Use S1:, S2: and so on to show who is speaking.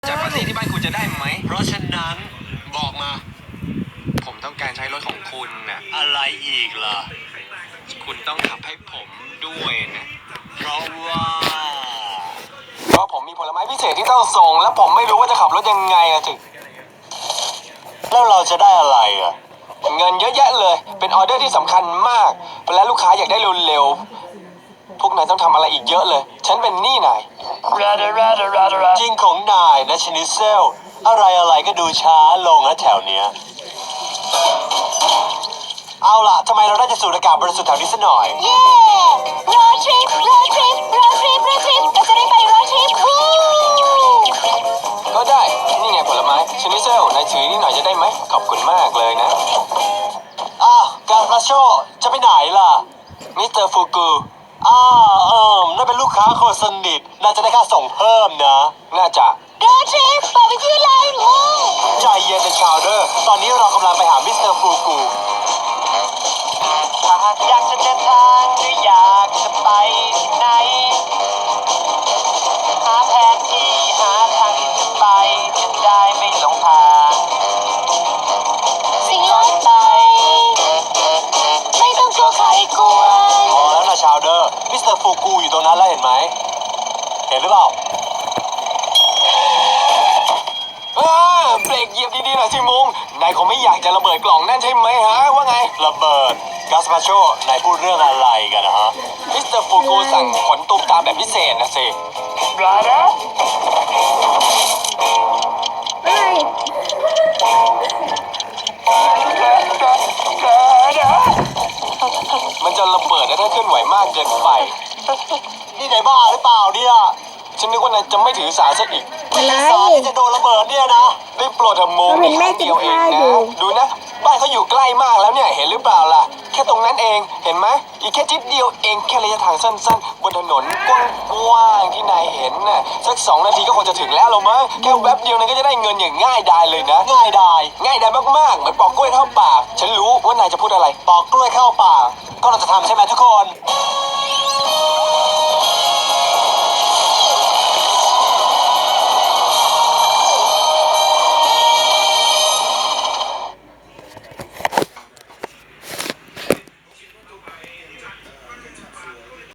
S1: จากปาร์ตี้ที่บ้านคุณจะได้ไหม
S2: เพราะฉะนั้นบอกมา
S1: ผมต้องการใช้รถของคุณน่ะ
S2: อะไรอีกล่ะ
S1: คุณต้องขับให้ผมด้วยนะ
S2: เพราะว่า
S1: เพราะผมมีผลไม้พิเศษที่ต้องส่งและผมไม่รู้ว่าจะขับรถยังไงอะถึง
S2: แล้วเราจะได้อะไรอ่ะ
S1: เงินเยอะแยะเลยเป็นออเดอร์ที่สำคัญมากและลูกค้าอยากได้เร็วๆพวกนายต้องทำอะไรอีกเยอะเลยฉันเป็นหนี้นาย
S2: จริงของนายนะชนิเซลอะไรก็ดูช้าลงนะแถวเนี้ยเอาล่ะทำไมเราได้จะสูดอากาศบริสุทธิ์แถวนี้ซะหน่อย
S3: เย้โรดทริปเราจะได้ไปโรดทริปวู้
S1: ก็ได้นี่ไงผลไม้ชนิเซลนายถือนี่หน่อยจะได้ไหมขอบคุณมากเลยนะ
S2: การพาโชจะไปไหนล่ะ
S1: มิสเตอร์ฟูกู
S2: นั่นเป็นลูกค้าคนสนิทน่าจะได้ค่าส่งเพิ่มนะ
S1: น่าจะ
S3: โรดทริปบาร์บีคิวไลน์มู
S2: ใจเย็นนะชาวเดอร์ตอนนี้เรากำลังไปหามิสเตอร์ฟูกูถ้าหากอยากจะเดินทางหรืออยากจะไปที่ไหนหาแผนที่หาทางที่จะไปจะได้ไม่หลงทาง
S3: สิ่งลดไปไม่ต้องกลัวใครกวน
S2: พอแล้วนะชาวเดอร์มิสเตอร์ฟูกูอยู่ตรงนั้นแล้วเห็นไหมเห็นหรือเปล่า
S1: เบรกเหยียบดีๆหน่อยสิมุงนายคงไม่อยากจะระเบิดกล่องนั่นใช่ไหมฮะว่าไง
S2: ระเบิดกาสปาโชนายพูดเรื่องอะไรกันนะฮะ
S1: มิสเตอร์ฟูกูสั่งขนตุ้มตามแบบพิเศษนะสิ
S3: เฮ้ย
S1: มันจะระเบิดนะถ้าเคลื่อนไหวมากเกินไป
S2: นี่นายบ้าหรือเปล่าเนี่ย
S1: ฉันนึกว่านายจะไม่ถือสาซะอีก
S3: อะไร
S2: สารที่จะโดนระเบิดเนี่ยนะ
S1: ได้โปรดเถอะมุง
S3: เราเห็นแม่
S1: ครั้งเดียวเอง
S3: กินข้าว
S1: นะ
S3: อยู่
S1: ดูนะบ้านเขาอยู่ใกล้มากแล้วเนี่ยเห็นหรือเปล่าล่ะแค่ตรงนั้นเองเห็นไหมอีกแค่จิดเดียวเองแค่ระยะทางสั้นๆบนถนนกว้างๆที่นายเห็นน่ะสัก2 นาทีก็คงจะถึงแล้วหรอมั้งแค่แวบเดียวนายก็จะได้เงินอย่างง่ายดายเลยนะ
S2: ง่ายดาย
S1: ง่ายดายมากๆเหมือนปอกกล้วยเข้าปากฉันรู้ว่านายจะพูดอะไร
S2: ปอกกล้วยเข้าปากก็เราจะทำใช่ไหมทุกคน